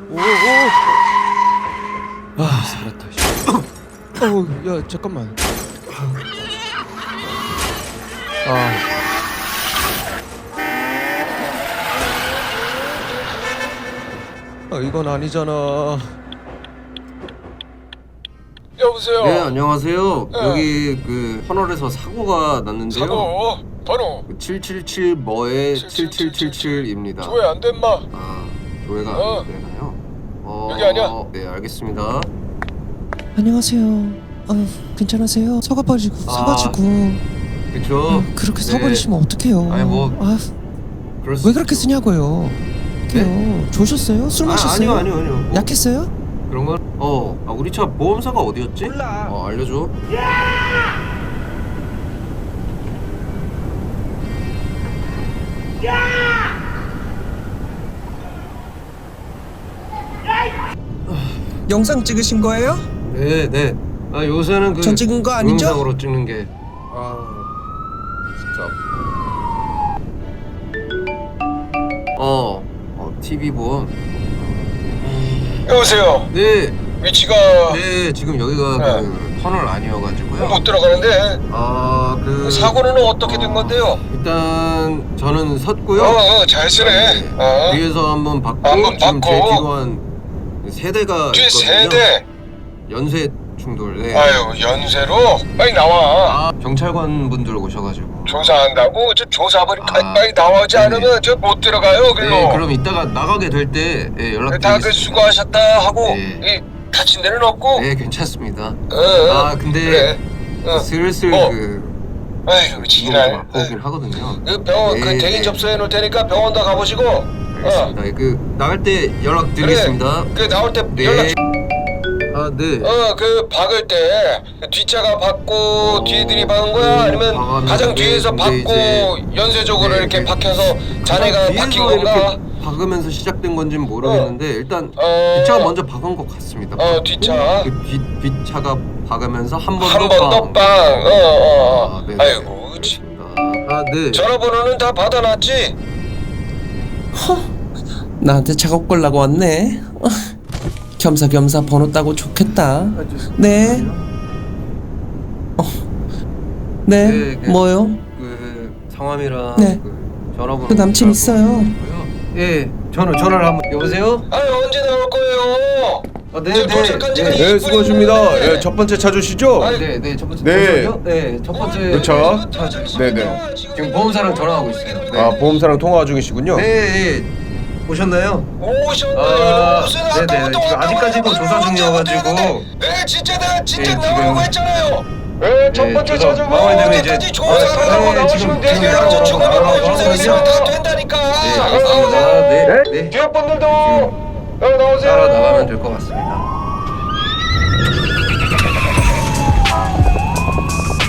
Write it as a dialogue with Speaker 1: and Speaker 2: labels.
Speaker 1: 살았다. 야 잠깐만. 이건 아니잖아.
Speaker 2: 여보세요.
Speaker 3: 네, 안녕하세요.
Speaker 2: 네.
Speaker 3: 여기 그 터널에서 사고가 났는데요.
Speaker 2: 사고 번호
Speaker 3: 777 뭐에 7777입니다.
Speaker 2: 조회 안 된 마.
Speaker 3: 조회가 안 되나요?
Speaker 2: 여기 아니야?
Speaker 3: 네, 알겠습니다.
Speaker 1: 안녕하세요. 괜찮으세요? 서가지고
Speaker 3: 그쵸?
Speaker 1: 그렇게
Speaker 3: 네.
Speaker 1: 서버리시면 어떡해요?
Speaker 3: 아니, 뭐 그럴 수
Speaker 1: 왜 그렇게
Speaker 3: 있죠.
Speaker 1: 쓰냐고요? 어떡해요? 조셨어요? 술 마셨어요?
Speaker 3: 아니요. 뭐
Speaker 1: 약했어요?
Speaker 3: 그런 건 우리 차 보험사가 어디였지?
Speaker 1: 몰라.
Speaker 3: 알려줘.
Speaker 1: 영상 찍으신 거예요?
Speaker 3: 네. 요새는 그
Speaker 1: 전 찍은 거 아니죠?
Speaker 3: 동영상으로 찍는 게 진짜. TV 보험.
Speaker 2: 여보세요.
Speaker 3: 네.
Speaker 2: 위치가
Speaker 3: 네, 지금 여기가
Speaker 2: 네.
Speaker 3: 그 터널 아니어가지고요.
Speaker 2: 못 들어가는데
Speaker 3: 그
Speaker 2: 사고는 어떻게 된 건데요?
Speaker 3: 일단 저는 섰고요.
Speaker 2: 잘 쓰네.
Speaker 3: 네. 뒤에서 한번 받고
Speaker 2: 한번
Speaker 3: 지금 제
Speaker 2: 받고.
Speaker 3: 뒤로 한 세대가
Speaker 2: 뒤에
Speaker 3: 있거든요.
Speaker 2: 세대.
Speaker 3: 연쇄 충돌. 네.
Speaker 2: 아유 연세로 빨리 나와.
Speaker 3: 경찰관 분들 오셔가지고.
Speaker 2: 조사한다고 저 조사벌이
Speaker 3: 아,
Speaker 2: 빨리 나오지
Speaker 3: 네네.
Speaker 2: 않으면 저 못 들어가요. 글로.
Speaker 3: 네, 그럼 이따가 나가게 될 때
Speaker 2: 다그
Speaker 3: 연락드리겠습니다.
Speaker 2: 수고하셨다 하고
Speaker 3: 네.
Speaker 2: 이 다친 데는 없고.
Speaker 3: 네, 괜찮습니다. 근데
Speaker 2: 그래.
Speaker 3: 슬슬
Speaker 2: 아이고 지랄.
Speaker 3: 보긴 하거든요.
Speaker 2: 그 병원 그
Speaker 3: 네,
Speaker 2: 대인
Speaker 3: 네.
Speaker 2: 접수해 놓을 테니까 병원 다 가보시고.
Speaker 3: 알겠습니다. 나갈 때 연락드리겠습니다.
Speaker 2: 그 나올 때
Speaker 3: 네.
Speaker 2: 연락.
Speaker 3: 네.
Speaker 2: 그 박을 때그 뒷차가 박고 뒤들이 박은 거야? 아니면
Speaker 3: 박았는데,
Speaker 2: 가장 뒤에서
Speaker 3: 근데
Speaker 2: 박고
Speaker 3: 이제
Speaker 2: 연쇄적으로
Speaker 3: 네,
Speaker 2: 이렇게
Speaker 3: 네.
Speaker 2: 박혀서
Speaker 3: 가장
Speaker 2: 자네가
Speaker 3: 뒤에서
Speaker 2: 박힌 건가?
Speaker 3: 이렇게 박으면서 시작된 건지는 모르겠는데 일단 뒷차가 먼저 박은 것 같습니다.
Speaker 2: 뒷차.
Speaker 3: 그 뒷차가 박으면서 한 번
Speaker 2: 한
Speaker 3: 더
Speaker 2: 번 더 빵.
Speaker 3: 네.
Speaker 2: 아이고.
Speaker 3: 네.
Speaker 2: 전화번호는 다 받아놨지?
Speaker 1: 나한테 작업 걸라고 왔네. 겸사겸사 번호 따고 좋겠다. 네. 네. 뭐요?
Speaker 3: 그 성함이랑
Speaker 1: 네.
Speaker 3: 그 전화번호.
Speaker 1: 그 남친 있어요.
Speaker 3: 예, 전화를 한번. 여보세요?
Speaker 2: 언제 나올 거예요?
Speaker 3: 네.
Speaker 2: 도착한 지가
Speaker 3: 네.
Speaker 2: 20
Speaker 4: 네, 수고하십니다.
Speaker 2: 분인데.
Speaker 4: 첫 번째 찾으시죠?
Speaker 3: 네, 첫 번째.
Speaker 4: 네.
Speaker 3: 잠시만요. 네, 첫 번째.
Speaker 4: 그쵸. 네네.
Speaker 3: 지금 보험사랑 전화하고 있어요. 네.
Speaker 4: 보험사랑 통화 중이시군요.
Speaker 3: 네. 오셨나요?
Speaker 2: 오셨나요? 무슨
Speaker 3: 네네.
Speaker 2: 아까부터
Speaker 3: 지금 아직까지도
Speaker 2: 왔다고
Speaker 3: 조사 중이어가지고.
Speaker 2: 네 진짜 내가 진짜
Speaker 3: 네,
Speaker 2: 나오라고
Speaker 3: 지금.
Speaker 2: 했잖아요. 네, 첫 번째
Speaker 3: 조사
Speaker 2: 찾아가
Speaker 3: 마무리되면 이제-
Speaker 2: 어제까지 조사를 하고
Speaker 3: 네,
Speaker 2: 나오시면
Speaker 3: 지금
Speaker 2: 돼요. 저 중간에
Speaker 3: 나오라고
Speaker 2: 보여주세요. 있으면 다
Speaker 3: 하거든요.
Speaker 2: 된다니까.
Speaker 3: 네, 알겠습니다. 네.
Speaker 2: 뒤에 분들도 나오세요.
Speaker 3: 따라 나가면 될 것 같습니다.